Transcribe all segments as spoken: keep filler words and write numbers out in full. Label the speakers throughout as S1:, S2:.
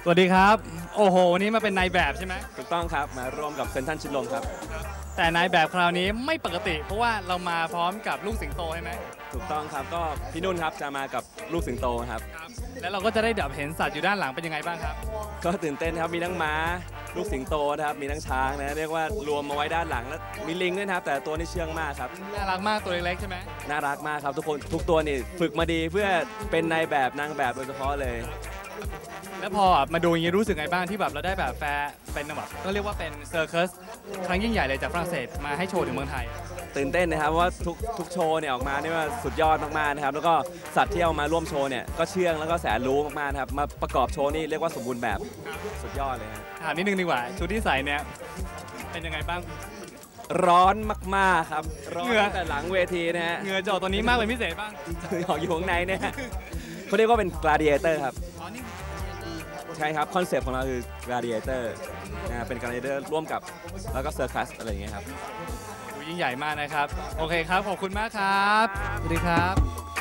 S1: สวัสดีครับโอ้โหวันนี้มาเป็นนายแบบใช่ไหม
S2: ถูกต้องครับมาร่วมกับเซนทรัลชิดลมครับ
S1: แต่นายแบบคราวนี้ไม่ปกติ เพราะว่าเรามาพร้อมกับลูกสิงโตใช่ไหม
S2: ถูกต้องครับก็พี่นุ่นครับจะมากับลูกสิงโตครับ
S1: แล้วเราก็จะได้แบบเห็นสัตว์อยู่ด้านหลังเป็นยังไงบ้างครับ
S2: ก็ตื่นเต้นครับมีทั้งม้าลูกสิงโตนะครับมีทั้งช้างนะเรียกว่ารวมมาไว้ด้านหลังแล้วมีลิงด้วยนะครับแต่ตัวนี้เชื่องมากครับ
S1: น่ารักมากตัวเล็กๆใช่ไหม
S2: น่ารักมากครับทุกคนทุกตัวนี่ฝึกมาดีเพื่อเป็นนายแบบนางแบบโดยเฉพาะเลย
S1: แล้วพอมาดูอย่างนี้รู้สึกไงบ้างที่แบบเราได้แบบแฟร์เป็นแบบก็เรียกว่าเป็นเซอร์คัสครั้งยิ่งใหญ่เลยจากฝรั่งเศสมาให้โชว์ถึงเมืองไทย
S2: ตื่นเต้นนะครับว่าทุกทุกโชว์เนี่ยออกมาเนี่ยว่าสุดยอดมากๆนะครับแล้วก็สัตว์ที่เอามาร่วมโชว์เนี่ยก็เชื่องแล้วก็แสนรู้มากๆนะครับมาประกอบโชว์นี่เรียกว่าสมบูรณ์แบบสุดยอดเลยครับ
S1: ถามนิดนึงดีกว่าชุดที่ใส่เนี่ยเป็นยังไงบ้าง
S2: ร้อนมากๆครับร้อนตั้งแต่หลังเวทีนะฮะ
S1: เหงื่อจะออกตัวนี้มากเป็นพิเศษบ้าง
S2: ออกอยู่ข้างในเนี่ยเขาเรียกว่าเป็น gladiator ครับใช่ครับคอนเซปต์ของเราคือ gladiator นะเป็น gladiator ร่วมกับแล้วก็ circus อะไรอย่างเงี้ยครับ
S1: ยิ่งใหญ่มากนะครับโอเคครับขอบคุณมากครับสวัสดีครับ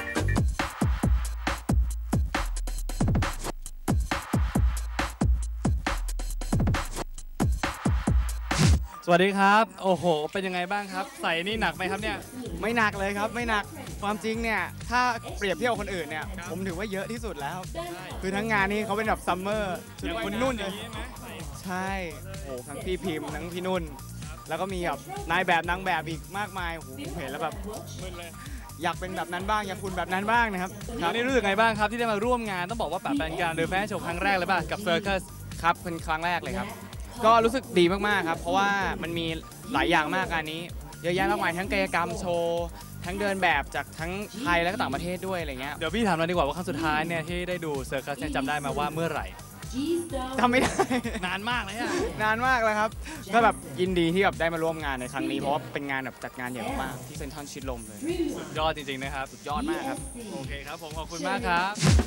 S1: สวัสดีครับโอ้โหเป็นยังไงบ้างครับใส่นี่หนักไหมครับเนี่ย
S3: ไม่หนักเลยครับไม่หนักความจริงเนี่ยถ้าเปรียบเทียบคนอื่นเนี่ยผมถือว่าเยอะที่สุดแล้วคือทั้งงานนี้เขาเป็นแบบซัมเมอร์ชุดคุณนุ่นเลยใช่โอ้ทั้งพี่พิมพ์ทั้งพี่นุ่นแล้วก็มีแบบนายแบบนางแบบอีกมากมายโอ้โหเห็นแล้วแบบอยากเป็นแบบนั้นบ้างอยากคุณแบบนั้นบ้างนะครับ
S1: คราวนี้รู้สึกไงบ้างครับที่ได้มาร่วมงานต้องบอกว่าแบบเป็นการเดินแฟชั่นโชว์ครั้งแรกเลยป่ะกับเซอร์คัส
S3: ครับเป็นครั้งแรกเลยครับก็รู้สึกดีมากๆครับเพราะว่ามันมีหลายอย่างมากงานนี้เยอะแยะมากมายทั้งกายกรรมโชว์ทั้งเดินแบบจากทั้งไทยและก็ต่างประเทศด้วยอะไรเงี้ย
S1: เดี๋ยวพี่ถามเราดีกว่าว่าครั้งสุดท้ายเนี่ยที่ได้ดูเซอร์คัสเนี่ยจำได้มาว่าเมื่อไหร่
S3: จำไม่ได้
S1: นานมากเลยอะ
S3: นานมากเลยครับก็แบบยินดีที่แบบได้มาร่วมงานในครั้งนี้เพราะว่าเป็นงานแบบจัดงานใหญ่มากๆที่เซ็นทรัลชิดลมเลย
S1: สุดยอดจริงๆนะครับ
S3: สุดยอดมากครับ
S1: โอเคครับผมขอบคุณมากครับ